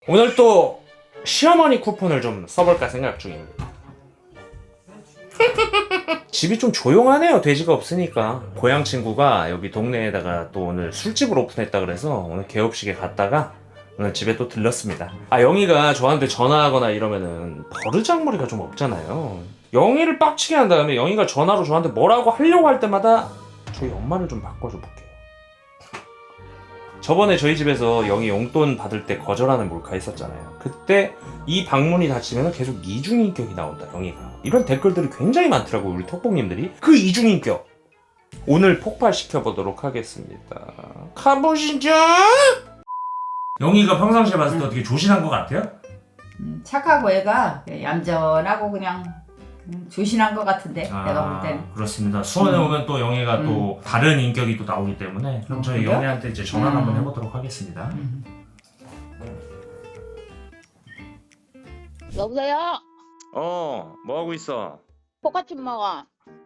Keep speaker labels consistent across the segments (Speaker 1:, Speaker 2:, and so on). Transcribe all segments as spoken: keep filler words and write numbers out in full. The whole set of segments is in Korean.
Speaker 1: 오늘 또 시어머니 쿠폰을 좀 써볼까 생각 중입니다. 집이 좀 조용하네요. 돼지가 없으니까. 고향 친구가 여기 동네에다가 또 오늘 술집을 오픈했다 그래서 오늘 개업식에 갔다가 오늘 집에 또 들렀습니다. 아, 영희가 저한테 전화하거나 이러면은 버르장머리가 좀 없잖아요. 영희를 빡치게 한 다음에 영희가 전화로 저한테 뭐라고 하려고 할 때마다 저희 엄마를 좀 바꿔줘 볼게요. 저번에 저희 집에서 영희 용돈 받을 때 거절하는 몰카 있었잖아요. 그때 이 방문이 닫히면 계속 이중인격이 나온다, 영희가. 이런 댓글들이 굉장히 많더라고요, 우리 톡복님들이. 그 이중인격 오늘 폭발시켜보도록 하겠습니다. 가보시죠. 영희가 평상시에 봤을 때 어떻게 조신한 것 같아요?
Speaker 2: 음, 착하고 애가 얌전하고 그냥 음, 조신한 것 같은데
Speaker 1: 아,
Speaker 2: 내가 볼 때는.
Speaker 1: 그렇습니다. 수원에
Speaker 2: 음.
Speaker 1: 오면 또 영희가
Speaker 2: 음.
Speaker 1: 또 다른 인격이 또 나오기 때문에 그럼 저희
Speaker 2: 그래요?
Speaker 1: 영희한테 이제 전화 를
Speaker 2: 음.
Speaker 1: 한번 해보도록 하겠습니다.
Speaker 2: 음.
Speaker 3: 여보세요?
Speaker 1: 어, 뭐 하고 있어?
Speaker 3: 포카칩 먹어.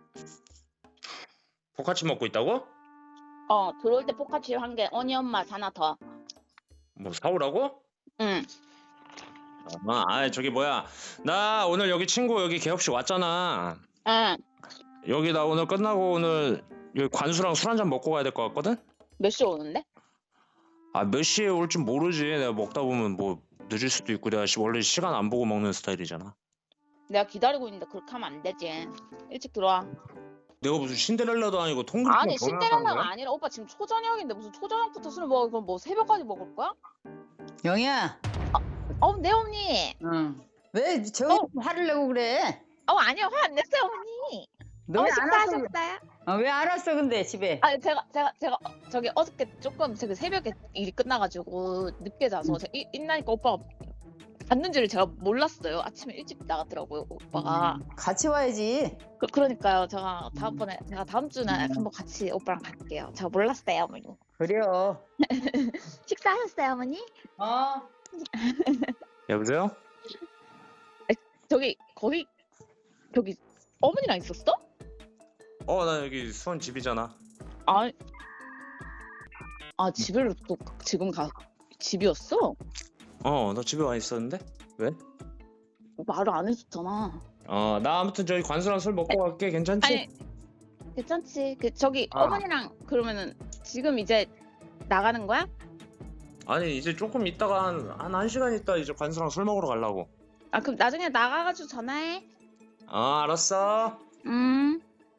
Speaker 1: 포카치 먹고 있다고?
Speaker 3: 어, 들어올 때 포카칩 한 개, 어니언 맛 하나 더.
Speaker 1: 뭐 사오라고?
Speaker 3: 응.
Speaker 1: 아, 아, 저기 뭐야? 나 오늘 여기 친구 여기 개업식 왔잖아.
Speaker 3: 응.
Speaker 1: 여기 나 오늘 끝나고 오늘 여기 관수랑 술 한잔 먹고 가야 될 것 같거든?
Speaker 3: 몇 시에 오는데?
Speaker 1: 아, 몇 시에 올지 모르지. 내가 먹다 보면 뭐 늦을 수도 있고 내가 시- 원래 시간 안 보고 먹는 스타일이잖아.
Speaker 3: 내가 기다리고 있는데 그렇게 하면 안 되지. 일찍 들어와.
Speaker 1: 내가 무슨 신데렐라도 아니고 통그릇
Speaker 3: 아니, 신데렐라가 아니라 오빠 지금 초저녁인데 무슨 초저녁부터 술을 먹어? 그럼 뭐 새벽까지 먹을 거야?
Speaker 2: 영희야.
Speaker 3: 어, 네 어머니.
Speaker 2: 응. 왜 저기
Speaker 3: 어.
Speaker 2: 화를 내고 그래?
Speaker 3: 어, 아니요, 화 안 냈어요, 어머니.
Speaker 2: 너
Speaker 3: 어머니
Speaker 2: 왜 안 왔어?
Speaker 3: 식사하셨어요?
Speaker 2: 어, 왜 안 왔어 근데 집에?
Speaker 3: 아, 제가 제가 제가 어, 저기 어저께 조금 제가 새벽에 일이 끝나가지고 늦게 자서
Speaker 2: 음.
Speaker 3: 제가 일, 일나니까 오빠가 갔는지를 제가 몰랐어요. 아침에 일찍 나갔더라고요, 오빠가.
Speaker 2: 음, 같이 와야지.
Speaker 3: 그, 그러니까요. 제가 다음번에 제가 다음 주에
Speaker 2: 음.
Speaker 3: 한번 같이 오빠랑 갈게요. 제가 몰랐어요, 어머니.
Speaker 2: 그래요.
Speaker 3: 식사하셨어요, 어머니?
Speaker 2: 어.
Speaker 1: 여보세요?
Speaker 3: 저기 거기 저기 어머니랑 있었어?
Speaker 1: 어, 나 여기 수원 집이잖아.
Speaker 3: 아, 아 집을 또 지금 가 집이었어?
Speaker 1: 어, 너 집에 와 있었는데? 왜?
Speaker 3: 말을 안 해줬잖아.
Speaker 1: 어, 나 아무튼 저기 관수랑 술 먹고 갈게. 괜찮지?
Speaker 3: 아니 괜찮지. 그 저기
Speaker 1: 아.
Speaker 3: 어머니랑 그러면은 지금 이제 나가는 거야?
Speaker 1: 아니, 이제 조금 있다가 한, 한, 한 시간 있다 이제 관수랑 술 먹으러 가려고.
Speaker 3: 아 그럼 나중에 나가가지고 전화해.
Speaker 1: 어, 알았어.
Speaker 3: 음.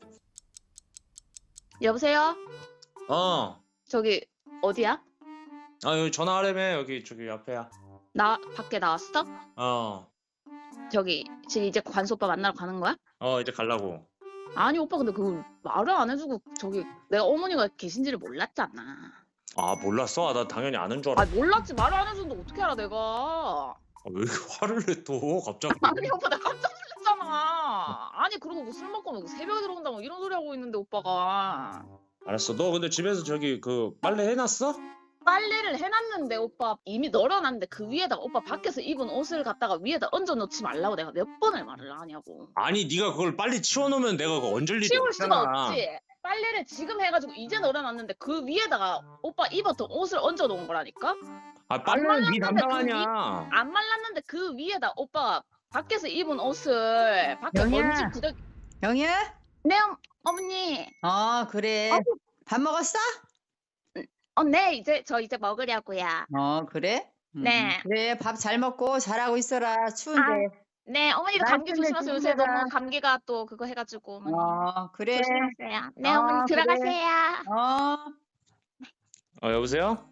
Speaker 3: 여보세요?
Speaker 1: 어.
Speaker 3: 저기 어디야?
Speaker 1: 아, 여기 전화하려면 여기 저기 앞에야.
Speaker 3: 나 밖에 나왔어?
Speaker 1: 어.
Speaker 3: 저기 지금 이제 관수 오빠 만나러 가는 거야?
Speaker 1: 어, 이제 가려고.
Speaker 3: 아니 오빠 근데 그 말을 안 해주고 저기 내가 어머니가 계신지를 몰랐잖아.
Speaker 1: 아, 몰랐어? 아, 나 당연히 아는 줄
Speaker 3: 아
Speaker 1: 알았어.
Speaker 3: 몰랐지 말을 안 해줬는데 어떻게 알아 내가.
Speaker 1: 아, 왜 이렇게 화를 내 또 갑자기?
Speaker 3: 아니 오빠 나 깜짝 놀랐잖아. 아니 그러고 뭐 술 먹고 뭐 새벽에 들어온다고 이런 소리 하고 있는데 오빠가.
Speaker 1: 알았어. 너 근데 집에서 저기 그 빨래 해놨어?
Speaker 3: 빨래를 해놨는데 오빠 이미 널어놨는데 그 위에다가 오빠 밖에서 입은 옷을 갖다가 위에다 얹어놓지 말라고 내가 몇 번을 말을 하냐고.
Speaker 1: 아니, 네가 그걸 빨리 치워놓으면 내가 그거 얹을 일이
Speaker 3: 치울 수가
Speaker 1: 없잖아.
Speaker 3: 없지. 빨래를 지금 해가지고 이제 널어놨는데 그 위에다가 오빠 입었던 옷을 얹어놓은 거라니까.
Speaker 1: 아, 빨래는 네
Speaker 3: 말랐는데
Speaker 1: 담당
Speaker 3: 그
Speaker 1: 아니야.
Speaker 3: 안 말랐는데 그 위에다 오빠 밖에서 입은 옷을 밖에
Speaker 2: 영희야.
Speaker 3: 먼지 구덕.
Speaker 2: 영희야?
Speaker 3: 네 어, 어머니.
Speaker 2: 어 그래.
Speaker 3: 어?
Speaker 2: 밥 먹었어?
Speaker 3: 어, 네 이제 저 이제 먹으려고요.
Speaker 2: 어 그래? 음,
Speaker 3: 네.
Speaker 2: 그래 밥 잘 먹고 잘하고 있어라. 추운데.
Speaker 3: 네 어머니도
Speaker 2: 날
Speaker 3: 감기
Speaker 2: 때문에
Speaker 3: 조심하세요. 요새
Speaker 2: 힘들다.
Speaker 3: 너무 감기가 또 그거 해가지고 어머니.
Speaker 2: 어 그래.
Speaker 3: 조심하세요. 네
Speaker 2: 어,
Speaker 3: 어머니
Speaker 2: 그래.
Speaker 3: 들어가세요.
Speaker 2: 어.
Speaker 1: 어, 여보세요?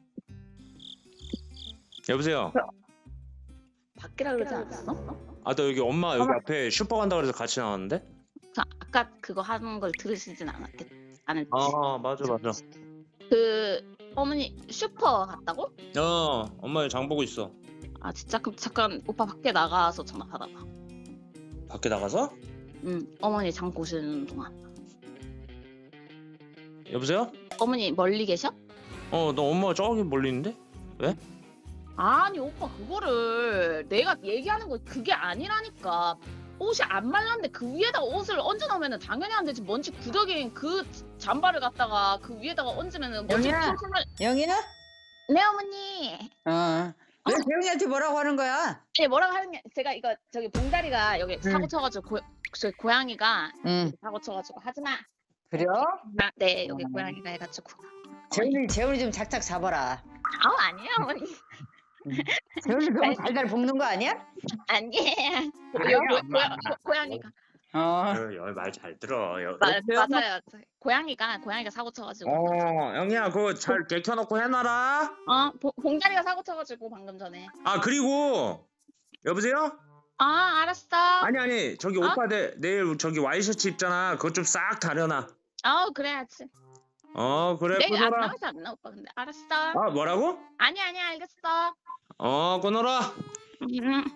Speaker 1: 여보세요?
Speaker 3: 밖이라 그러지 않았어?
Speaker 1: 아, 너 여기 엄마 여기 앞에 슈퍼 간다 그래서 같이 나왔는데?
Speaker 3: 저 아까 그거 하는 걸 들으시진 않았겠 않았지.
Speaker 1: 아, 맞아, 맞아.
Speaker 3: 그 어머니 슈퍼 갔다고?
Speaker 1: 어, 엄마 여기 장 보고 있어.
Speaker 3: 아 진짜 그럼 잠깐 오빠 밖에 나가서 전화 받아봐.
Speaker 1: 밖에 나가서?
Speaker 3: 응 어머니 장 보시는 동안.
Speaker 1: 여보세요?
Speaker 3: 어머니 멀리 계셔?
Speaker 1: 어, 너 엄마 저기 멀리 있는데?
Speaker 3: 아니 오빠 그거를 내가 얘기하는 거 그게 아니라니까. 옷이 안 말랐는데 그 위에다가 옷을 얹어 놓으면 당연히 안 되지. 먼지 구더기인 그 잠바를 갖다가 그 위에다가 얹으면 먼지
Speaker 2: 영희야.
Speaker 3: 풀풀 날.
Speaker 2: 영희야?
Speaker 3: 네 어머니.
Speaker 2: 어. 왜 재훈이한테 뭐라고 하는 거야?
Speaker 3: 아니 뭐라고 하는 게 제가 이거 저기 봉다리가 여기 사고 쳐가지고 고, 저 고양이가
Speaker 2: 응.
Speaker 3: 사고 쳐가지고 하지마.
Speaker 2: 그래요?
Speaker 3: 아, 네 여기 고양이가 해가지고.
Speaker 2: 재훈이 재훈이 좀 작작 잡아라.
Speaker 3: 아우 아니에요 어머니.
Speaker 2: 재훈이 너무 달달 볶는 거 아니야?
Speaker 3: 아니에요.
Speaker 1: 아니야,
Speaker 3: 여기 고,
Speaker 1: 엄마.
Speaker 3: 고, 고양이가.
Speaker 2: 어.
Speaker 1: 말 잘 들어. 여,
Speaker 3: 마,
Speaker 1: 여보세요?
Speaker 3: 맞아요. 고양이가 고양이가 사고 쳐가지고.
Speaker 1: 어, 영희야, 그거 잘 개켜놓고 해놔라.
Speaker 3: 어 봉- 봉다리가 사고 쳐가지고 방금 전에.
Speaker 1: 아, 그리고 여보세요?
Speaker 3: 아 알았어.
Speaker 1: 아니 아니, 저기
Speaker 3: 어?
Speaker 1: 오빠 내, 내일 저기 와이셔츠 입잖아. 그거 좀 싹 다려놔.
Speaker 3: 아우 그래야지.
Speaker 1: 어, 그래,
Speaker 3: 내일 안
Speaker 1: 끊어라.
Speaker 3: 나와서 안 나 오빠 근데 알았어.
Speaker 1: 아, 뭐라고?
Speaker 3: 아니 아니 알겠어.
Speaker 1: 어, 끊어라.
Speaker 3: 음.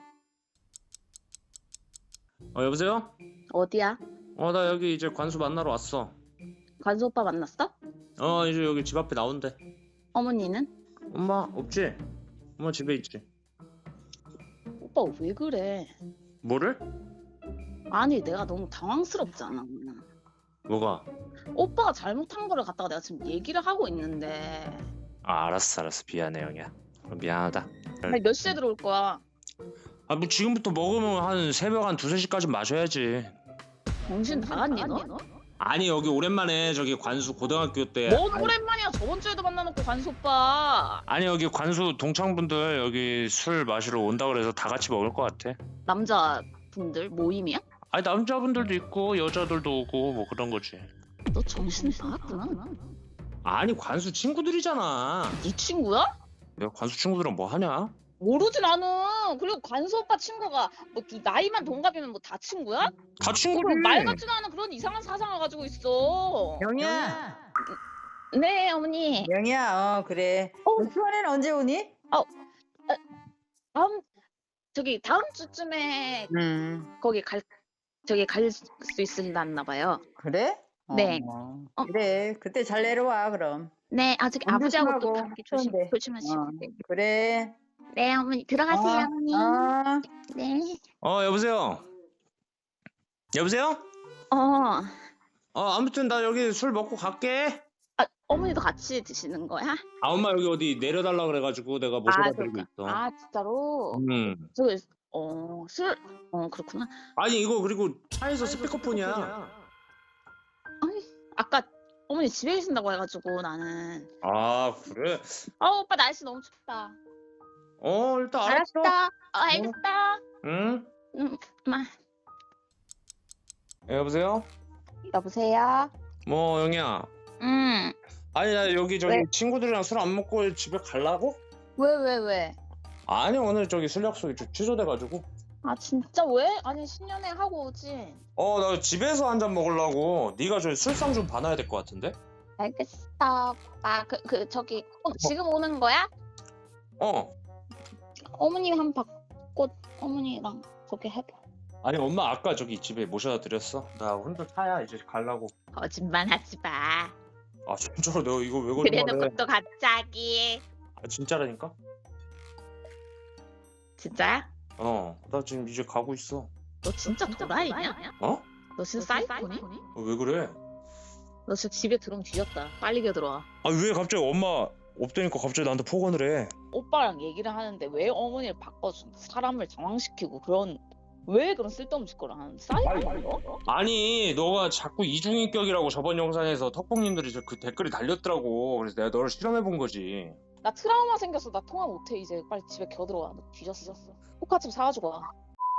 Speaker 1: 어, 여보세요?
Speaker 3: 어디야?
Speaker 1: 어, 나 여기 이제 관수 만나러 왔어.
Speaker 3: 관수 오빠 만났어?
Speaker 1: 어, 이제 여기 집 앞에 나온대.
Speaker 3: 어머니는?
Speaker 1: 엄마 없지? 엄마 집에 있지.
Speaker 3: 오빠 왜 그래?
Speaker 1: 뭐를?
Speaker 3: 아니 내가 너무 당황스럽잖아.
Speaker 1: 뭐가?
Speaker 3: 오빠가 잘못한 거를 갖다가 내가 지금 얘기를 하고 있는데.
Speaker 1: 아, 알았어, 알았어. 미안해, 영희야. 미안하다.
Speaker 3: 아니 몇 시에 들어올 거야?
Speaker 1: 아, 뭐 지금부터 먹으면 한 새벽 한 두세 시까지 마셔야지.
Speaker 3: 정신 나갔니 너?
Speaker 1: 아니, 여기 오랜만에 저기 관수 고등학교 때.
Speaker 3: 뭔 오랜만이야. 저번 주에도 만나놓고 관수 오빠.
Speaker 1: 아니, 여기 관수 동창분들 여기 술 마시러 온다 그래서 다 같이 먹을 것 같아.
Speaker 3: 남자분들 모임이야?
Speaker 1: 아니, 남자분들도 있고 여자들도 오고 뭐 그런 거지.
Speaker 3: 너 정신 나갔구나.
Speaker 1: 아니, 관수 친구들이잖아.
Speaker 3: 네 친구야?
Speaker 1: 내가 관수 친구들이랑 뭐 하냐?
Speaker 3: 모르진 않아. 그리고 관수 오빠 친구가 뭐 이 나이만 동갑이면 뭐 다 친구야?
Speaker 1: 다 친구들.
Speaker 3: 그럼 말 같지도 않은 그런 이상한 사상을 가지고 있어.
Speaker 2: 영희야.
Speaker 3: 네 어머니.
Speaker 2: 영희야. 어 그래.
Speaker 3: 어.
Speaker 2: 너 수원에는 언제 오니?
Speaker 3: 다음 저기 다음 주쯤에
Speaker 2: 음.
Speaker 3: 거기 갈 저기 갈 수 있을라나 봐요.
Speaker 2: 그래?
Speaker 3: 네.
Speaker 2: 어.
Speaker 3: 어.
Speaker 2: 그래. 그때 잘 내려와 그럼.
Speaker 3: 네, 아직
Speaker 2: 운전
Speaker 3: 아버지하고 또
Speaker 2: 조심하고,
Speaker 3: 감기 조심
Speaker 2: 추운데.
Speaker 3: 조심하시고.
Speaker 2: 어. 그래.
Speaker 3: 네, 어머니 들어가세요, 어머니.
Speaker 2: 어.
Speaker 3: 네.
Speaker 1: 어, 여보세요. 여보세요?
Speaker 3: 어,
Speaker 1: 어, 아무튼 나 여기 술 먹고 갈게.
Speaker 3: 아, 어머니도 같이 드시는 거야?
Speaker 1: 아, 엄마 여기 어디 내려달라 그래가지고 내가 모셔다 드리고
Speaker 3: 그럴까?
Speaker 1: 있어.
Speaker 3: 아, 진짜로?
Speaker 1: 음.
Speaker 3: 저, 어, 술, 어, 그렇구나.
Speaker 1: 아니, 이거 그리고 차에서 스피커폰이야.
Speaker 3: 아니, 아까 어머니 집에 계신다고 해가지고 나는.
Speaker 1: 아, 그래?
Speaker 3: 아, 오빠 날씨 너무 춥다.
Speaker 1: 어, 일단 알았어.
Speaker 3: 알았어. 어, 알겠어.
Speaker 1: 응?
Speaker 3: 음, 마.
Speaker 1: 예, 여보세요?
Speaker 3: 여보세요.
Speaker 1: 뭐, 영희야.
Speaker 3: 음,
Speaker 1: 아니, 나 여기 저기
Speaker 3: 왜?
Speaker 1: 친구들이랑 술 안 먹고 집에 가려고?
Speaker 3: 왜, 왜, 왜?
Speaker 1: 아니, 오늘 저기 술 약속이 좀 취소돼가지고.
Speaker 3: 아, 진짜 왜? 아니, 신년회 하고 오지.
Speaker 1: 어, 나 집에서 한 잔 먹으려고. 네가 저 술상 좀 봐놔야 될 것 같은데?
Speaker 3: 알겠어. 아, 그, 그, 저기, 어, 지금 오는 거야?
Speaker 1: 어.
Speaker 3: 어머니 한 바꿔, 어머니랑 저기 해봐.
Speaker 1: 아니, 엄마 아까 저기 집에 모셔다 드렸어. 나 혼자 차야 이제 가려고.
Speaker 3: 거짓말 하지 마.
Speaker 1: 아, 진짜로 내가 이거 왜
Speaker 3: 그래놓고
Speaker 1: 거짓말해?
Speaker 3: 또 갑자기.
Speaker 1: 아, 진짜라니까?
Speaker 3: 진짜야?
Speaker 1: 어, 나 지금 이제 가고 있어.
Speaker 3: 너 진짜 도라이냐?
Speaker 1: 어?
Speaker 3: 너 진짜 사이코니?
Speaker 1: 어, 왜 그래?
Speaker 3: 너 진짜 집에 들어오면 뒤졌다. 빨리 겨들어와.
Speaker 1: 아, 왜 갑자기 엄마 없다니까 갑자기 나한테 폭언을 해?
Speaker 3: 오빠랑 얘기를 하는데 왜 어머니를 바꿔준 사람을 정황시키고 그런 왜 그런 쓸데없는 짓거를 하는 사이코니?
Speaker 1: 아니, 너가 자꾸 이중인격이라고 저번 영상에서 턱봉님들이 저 그 댓글이 달렸더라고. 그래서 내가 너를 실험해 본 거지.
Speaker 3: 나 트라우마 생겼어. 나 통화 못해 이제. 빨리 집에 겨들어와. 너 뒤졌어. 포카칩 사가지고 와.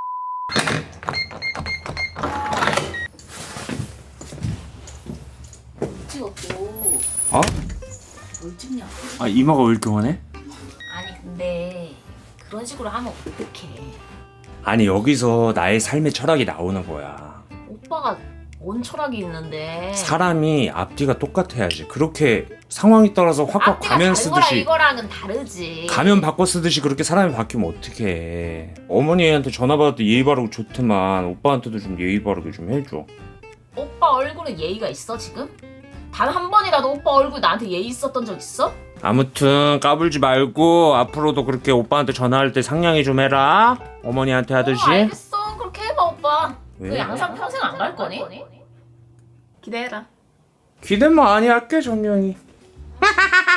Speaker 3: 찍었고.
Speaker 1: 어?
Speaker 4: 뭘 찍냐?
Speaker 1: 아, 이마가 왜 이렇게 화내?
Speaker 4: 아니 근데 그런 식으로 하면 어떡해.
Speaker 1: 아니, 여기서 나의 삶의 철학이 나오는 거야.
Speaker 4: 오빠가 뭔 철학이 있는데.
Speaker 1: 사람이 앞뒤가 똑같아야지. 그렇게 상황에 따라서 확확
Speaker 4: 앞뒤가
Speaker 1: 가면
Speaker 4: 다른 거랑
Speaker 1: 쓰듯이
Speaker 4: 이거랑은 다르지.
Speaker 1: 가면 바꿔 쓰듯이 그렇게 사람이 바뀌면 어떡해. 어머니한테 전화 받을 때 예의 바르고 좋지만 오빠한테도 좀 예의 바르게 좀 해줘.
Speaker 4: 오빠 얼굴에 예의가 있어 지금? 단 한 번이라도 오빠 얼굴 나한테 예의 있었던 적 있어?
Speaker 1: 아무튼 까불지 말고 앞으로도 그렇게 오빠한테 전화할 때 상냥히 좀 해라. 어머니한테 하듯이.
Speaker 4: 어, 알겠어. 그렇게 해봐 오빠.
Speaker 1: 왜?
Speaker 4: 너 양산 평생 안 갈 거니? 기대해라.
Speaker 1: 기대 많이 할게, 정령이.